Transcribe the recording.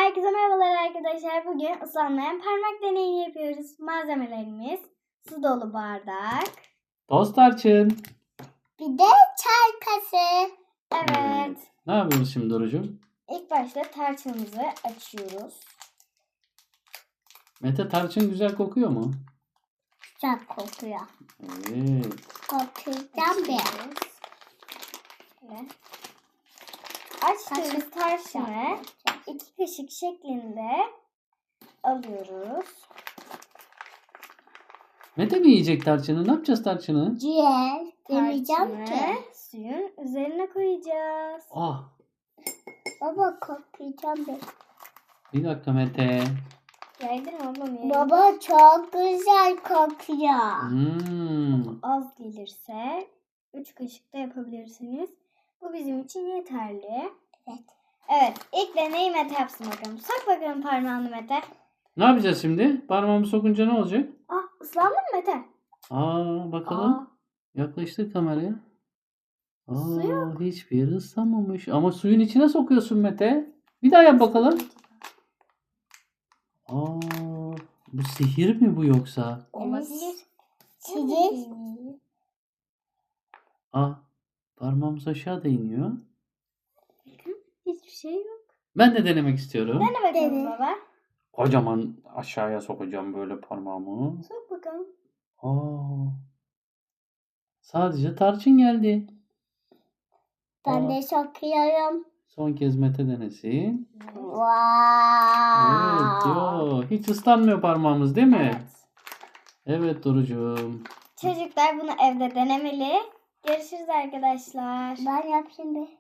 Herkese merhabalar arkadaşlar. Bugün ıslanmayan parmak deneyi yapıyoruz. Malzemelerimiz su dolu bardak. Toz tarçın. Bir de çay kaşığı. Evet. Ne yapıyoruz şimdi Dorucuğum? İlk başta tarçınımızı açıyoruz. Mete, tarçın güzel kokuyor mu? Güzel kokuyor. Evet. Kokuyacağım bir. Şöyle. Açtığımız tarçını 2 kaşık şeklinde alıyoruz. Mete mi yiyecek tarçını? Ne yapacağız tarçını? Ciğer. Demeyeceğim Tarçını ki. suyun üzerine koyacağız. Ah, Baba kokuyacağım bir. bir dakika Mete. Yaydın mı ablam ya? Baba çok güzel kokuyor. Az gelirse 3 kaşık da yapabilirsiniz. Bu bizim için yeterli. Evet. Evet, ilk deneyi Mete yapsın bakalım. Sok bakalım parmağını Mete. Ne yapacağız şimdi? Parmağımı sokunca ne olacak? Ah, ıslandın mı Mete? Bakalım. Aa, Yaklaştır kameraya. Su yok. Hiçbir yeri ıslanmamış. Ama suyun içine sokuyorsun Mete. Bir daha yap bakalım. Bu sihir mi bu yoksa? olabilir. Çiğ. Parmağımız aşağı iniyor. Hiçbir şey yok. Ben de denemek istiyorum. Dene bakalım Dene. baba. Kocaman aşağıya sokacağım böyle parmağımı. Sok bakalım. Sadece tarçın geldi. Ben de sokuyorum. Son kez Mete denesin. Wow. Evet, hiç ıslanmıyor parmağımız değil mi? Evet. Evet Dorucuğum. Çocuklar bunu evde denemeli. Görüşürüz arkadaşlar. Ben yapayım bir.